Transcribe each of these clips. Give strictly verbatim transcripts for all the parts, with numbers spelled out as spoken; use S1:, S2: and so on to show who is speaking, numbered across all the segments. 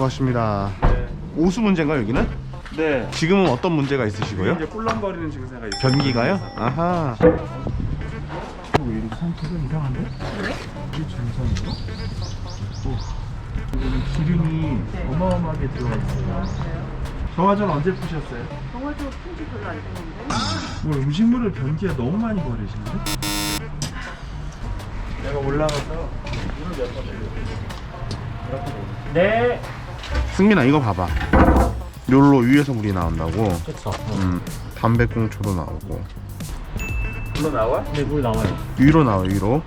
S1: 수고하십니다.
S2: 네.
S1: 오수 문제인가요 여기는?
S2: 네.
S1: 지금은 어떤 문제가 있으시고요?
S2: 이제 꿀렁거리는 증세가 있어요.
S1: 변기가요? 아하.
S2: 왜 이렇게 상태가 이상한데? 왜? 이게 전선인가? 여기는 기름이 어마어마하게 들어가 있어요. 정화전 언제 푸셨어요?
S3: 정화조 푼지 별로 안 됐는데.
S2: 뭐 음식물을 변기에 너무 많이 버리시는데? 내가 올라가서 물을 몇 번 내려. 네.
S1: 승민아 이거 봐봐. 요로 위에서 물이 나온다고.
S2: 그쵸.
S1: 음, 담배꽁초도 나오고.
S2: 물로 나와? 네, 물 나와요.
S1: 위로 나와 위로.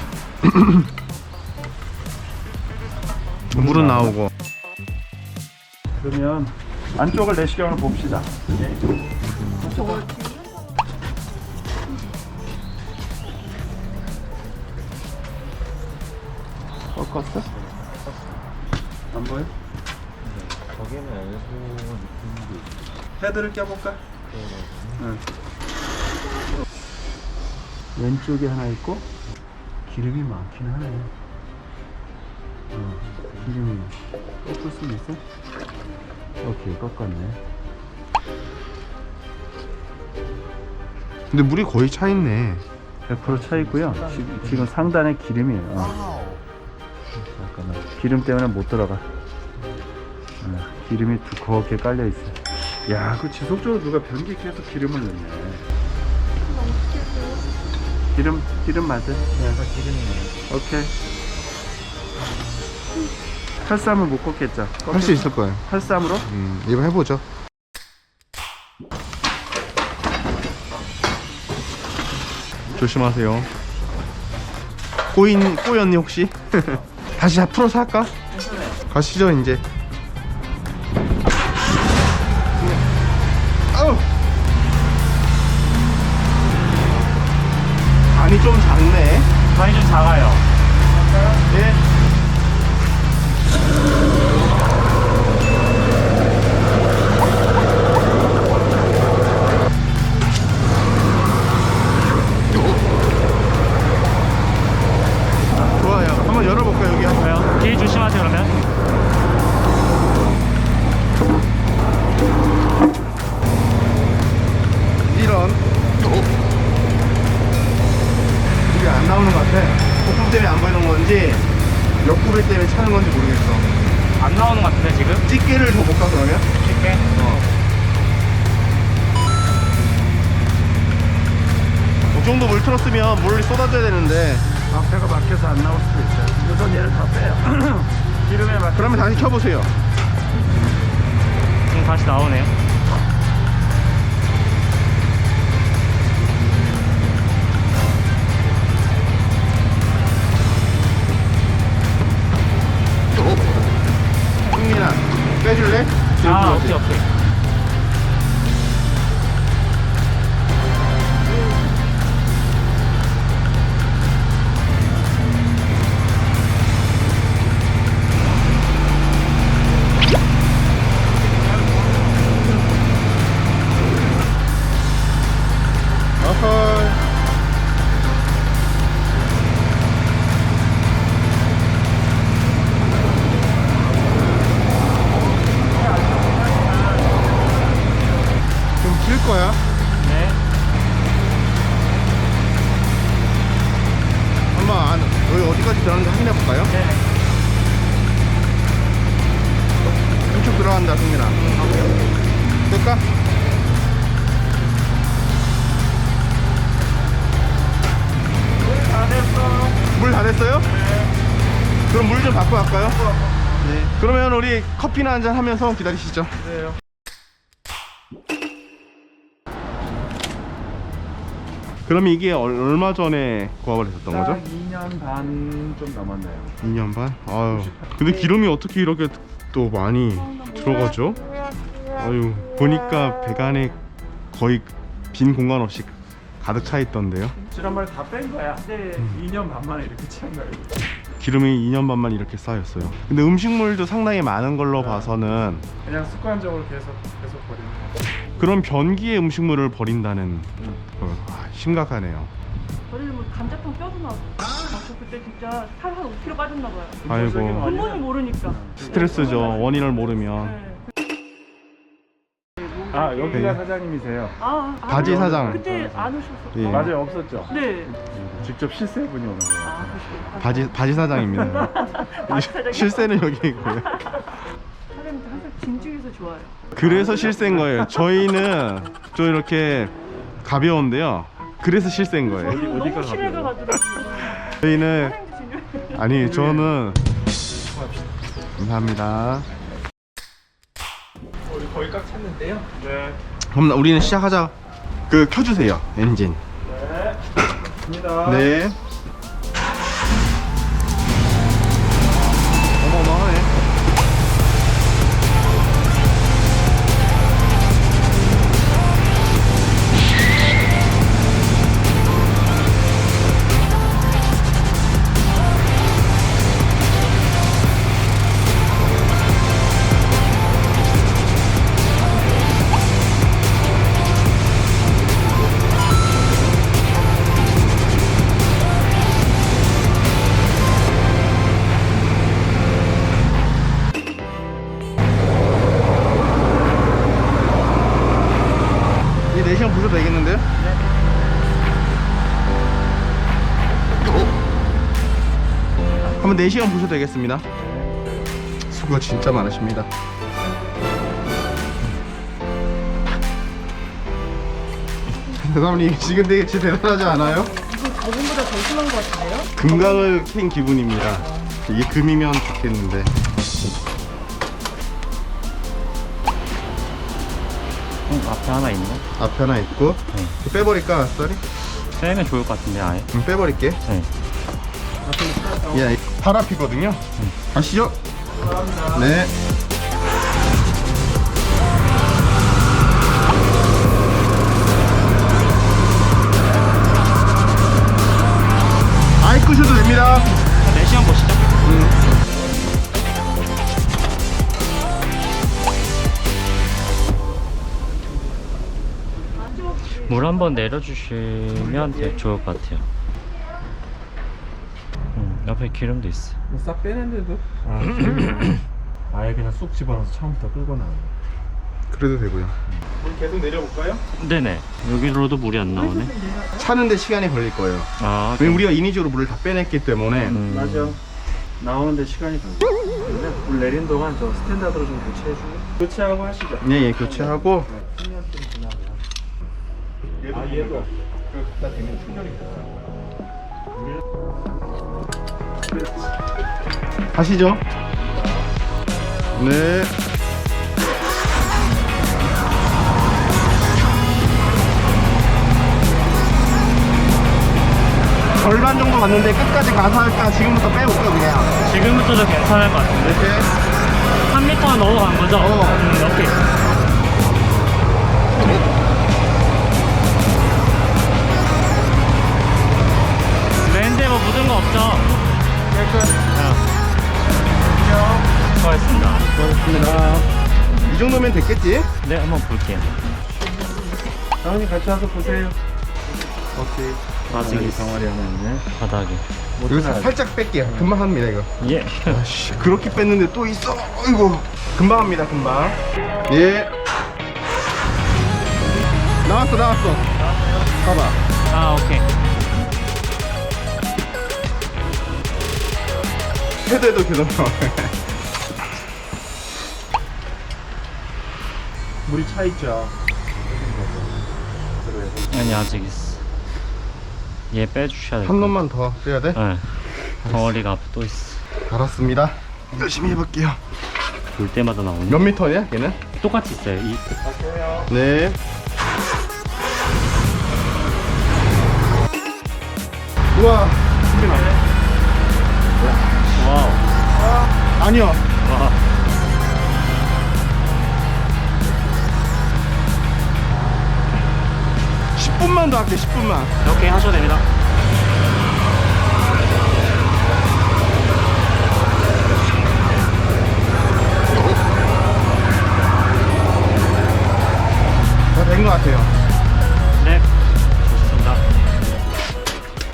S1: 물은 나오고.
S2: 그러면 안쪽을 내시경을 봅시다. 네. 꺾었어? 안 보여?
S4: 거기는 엘보 느낌도 있고.
S2: 헤드를 껴볼까? 응. 왼쪽에 하나 있고 기름이 많긴 하네. 어, 기름이 꺾을 수 있어? 오케이, 꺾었네.
S1: 근데 물이 거의 차 있네.
S2: 백 퍼센트 차 있고요. 지금, 지금 상단에 기름이에요. 어. 잠깐만. 기름 때문에 못 들어가. 어, 기름이 두껍게 깔려 있어. 야, 그 지속적으로 누가 변기에 계속 기름을 넣네. 기름, 기름 맞아? 네.
S4: 기름이네.
S2: 오케이. 팔삼을 못 꺾겠죠?
S1: 할 수 있을 거예요.
S2: 팔삼으로?
S1: 음, 이거 해보죠. 조심하세요. 꼬인 꼬였니 혹시? 다시 다 풀어서 할까? 가시죠 이제. 아우. 간이 좀 작네.
S2: 간이 좀 작아요.
S1: 예. 좋아요. 한번 열어볼까요 여기?
S2: 왜요? 길 조심하세요, 그러면.
S1: 이런. 이게 안 나오는 것 같아. 거품 때문에 안 보이는 건지 옆구리 때문에 차는 건지 모르겠어.
S2: 안 나오는 것 같은데, 지금?
S1: 집게를 더 볼까 그러면?
S2: 쉽게.
S1: 어. 이 정도 물 틀었으면 물이 쏟아져야 되는데.
S2: 앞에가 막혀서 안 나올 수도 있어요. 우선 얘를 다 빼요. 기름에 막.
S1: 그러면 다시 켜보세요.
S2: 지금 다시 나오네요.
S1: 승민아 빼줄래?
S2: 아, 오케이, 오케이.
S1: 어허이. 좀 길 거야.
S2: 네.
S1: 한번 안, 여기 어디까지 들어가는지 확인해 볼까요?
S2: 네.
S1: 왼쪽 들어간다 승민아. 될까?
S2: 다 됐어.
S1: 물 다 됐어요? 네. 그럼 물 좀 받고 갈까요? 네. 그러면 우리 커피나 한잔 하면서 기다리시죠.
S2: 네.
S1: 그러면 이게 얼- 얼마 전에 고압을 했었던 거죠?
S2: 이 년 반 좀 넘었네요.
S1: 이 년 반? 아유. 근데 기름이 어떻게 이렇게 또 많이 들어가죠? 아유, 보니까 배관에 거의 빈 공간 없이 가득 차 있던데요.
S2: 지난번에 다 뺀 거야. 근데 이 년 반 만에 이렇게 찬 거예요.
S1: 기름이 이 년 반만 이렇게 쌓였어요. 근데 음식물도 상당히 많은 걸로 봐서는
S2: 그냥 습관적으로 계속 계속 버리는 거.
S1: 그런 변기에 음식물을 버린다는 거, 아, 심각하네요.
S3: 저를 뭐 감자탕 뼈도 나고. 아, 저 그때 진짜 살 한 오 킬로그램 빠졌나 봐요.
S1: 아이고
S3: 근본을 모르니까.
S1: 스트레스죠. 원인을 모르면.
S3: 네.
S2: 아 여기가
S1: 네.
S2: 사장님이세요?
S3: 아, 아,
S1: 바지
S3: 그래요?
S1: 사장.
S3: 그때 안 오셨어.
S1: 예.
S2: 맞아요, 없었죠?
S3: 네.
S2: 직접 실세분이 오는 거예요.
S3: 아, 그러시구나.
S1: 바지 바지 사장입니다.
S3: 바지 사장이요?
S1: 실세는 여기 있고요.
S3: 사장님 항상 진중해서 좋아요.
S1: 그래서 실세인 거예요. 저희는 좀 이렇게 가벼운데요. 그래서 실세인 거예요.
S2: 어디- 어디가
S3: 너무 신뢰가
S2: 가벼워요?
S3: 가더라고요.
S1: 저희는
S3: 사장님도 진중해요.
S1: 아니 저는 감사합니다.
S4: 우리 거의 꽉 찼는데요.
S2: 네.
S1: 그럼 우리는 시작하자. 그 켜주세요 엔진.
S2: 네. 갑니다.
S1: 네. 어마어마하네. 이제 네 시간 보셔도 되겠는데요? 네. 한번 네 시간 보셔도 되겠습니다. 수고 진짜 많으십니다. 대사님 지금 되게 진짜 대단하지 않아요?
S3: 이거 저번보다 더 심한 것 같은데요?
S1: 금강을 캔 기분입니다. 이게 금이면 좋겠는데.
S5: 응, 앞에 하나 있네.
S1: 앞에 하나 있고
S5: 네.
S1: 빼버릴까 썰이?
S5: 빼면 좋을 것 같은데 아예.
S1: 응, 빼버릴게.
S5: 네.
S1: 예, 팔 앞이거든요. 가시죠. 네. 아이 끄셔도 됩니다.
S5: 네 시간 보시죠. 물 한번 내려주시면 되- 좋을 것 같아요. 음, 옆에 기름도 있어.
S4: 싹 빼는데도. 아, 아예 그냥 쑥 집어넣어서 처음부터 끌고 나오는 거.
S1: 그래도 되고요. 물 계속 내려볼까요?
S5: 네네. 여기로도 물이 안 나오네.
S1: 차는데 시간이 걸릴 거예요.
S5: 아,
S1: 왜냐면 우리가 인위적으로 물을 다 빼냈기 때문에.
S5: 음.
S2: 맞아. 나오는데 시간이 걸려. 근데 물 내린 동안 저 스탠다드로 좀 교체해주고. 교체하고 하시죠.
S1: 네, 예, 교체하고.
S2: 십 년쯤 지나면.
S1: 아, 얘도 갖다 대면 충전이 가시죠. 네. 절반 정도 갔는데 끝까지 가서 할까? 지금부터 빼볼까 그냥.
S5: 지금부터도 괜찮을 것 같은데.
S1: 이렇게.
S5: 삼 미터 넘어간 거죠?
S1: 어.
S5: 음, 오케이. 랜드에 뭐 묻은 거 없죠?
S2: 깨끗.
S5: 수고하셨습니다.
S1: 고맙습니다. 이 정도면 됐겠지?
S5: 네, 한번 볼게요.
S2: 사장님 같이 와서 보세요. 오케이.
S5: 아직 있어.
S2: 덩어리 하나 있네.
S5: 바닥에.
S1: 여기서 살짝 뺄게요. 금방 합니다 이거.
S5: 예.
S1: 아씨, 그렇게 뺐는데 또 있어. 아이고. 금방 합니다 금방. 예. 나왔어 나왔어. 봐봐.
S5: 아, 오케이.
S1: 헤드에도 계속 나와. 물이 차 있죠.
S5: 아니, 아직 있어. 얘 빼주셔야 돼.
S1: 한 놈만 더 빼야 돼?
S5: 네. 덩어리가 앞에 또 있어.
S1: 알았습니다. 열심히 해볼게요.
S5: 볼 때마다 나오네.
S1: 몇 미터냐 걔는?
S5: 똑같이 있어요. 이.
S1: 네. 우와.
S5: 와우.
S1: 아니요.
S5: 와.
S1: 십 분만 더 할게. 십 분만.
S5: 오케이, 하셔도 됩니다.
S1: 다 된 것 같아요.
S5: 네. 좋습니다.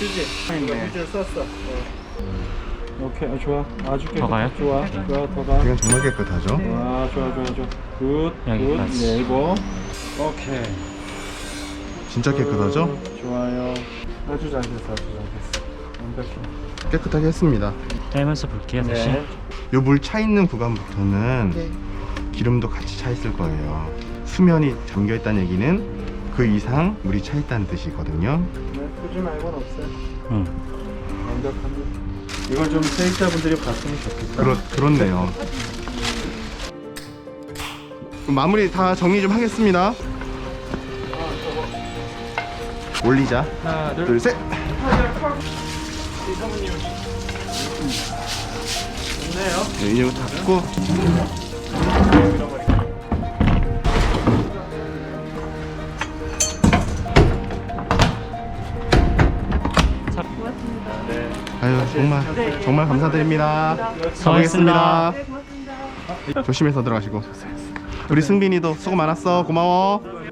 S2: 그지? 이제 썼어. 오케이, 어, 좋아. 아주 깨끗해.
S5: 더 가요?
S2: 좋아, 좋아, 더 가.
S1: 이건 정말 깨끗하죠?
S2: 와, 좋아, 좋아, 좋아. 굿, 굿.
S5: 여기까지.
S2: 네, 이거. 오케이.
S1: 진짜 깨끗하죠?
S2: 굿, 좋아요. 아주 잘 됐어, 아주 잘 됐어. 완벽해.
S1: 깨끗하게 했습니다.
S5: 떼면서 볼게요 다시.
S2: 네.
S1: 요 물 차 있는 구간부터는 기름도 같이 차 있을 거예요. 수면이 잠겨 있다는 얘기는 그 이상 물이 차 있다는 뜻이거든요.
S2: 네, 꾸준 말고는 없어요.
S5: 응.
S2: 완벽합니다. 이걸 좀 세입자분들이 봤으면 좋겠다.
S1: 그렇, 그렇네요. 그럼 마무리 다 정리 좀 하겠습니다. 올리자.
S2: 하나, 둘,
S1: 둘, 셋.
S2: 좋네요.
S1: 네, 이거 닫고.
S3: 고맙습니다.
S2: 네.
S1: 아유 정말
S3: 네.
S1: 정말 감사드립니다.
S5: 수고하셨습니다.
S1: 가보겠습니다.
S3: 네, 고맙습니다.
S1: 조심해서 들어가시고. 우리 승빈이도 수고 많았어. 고마워.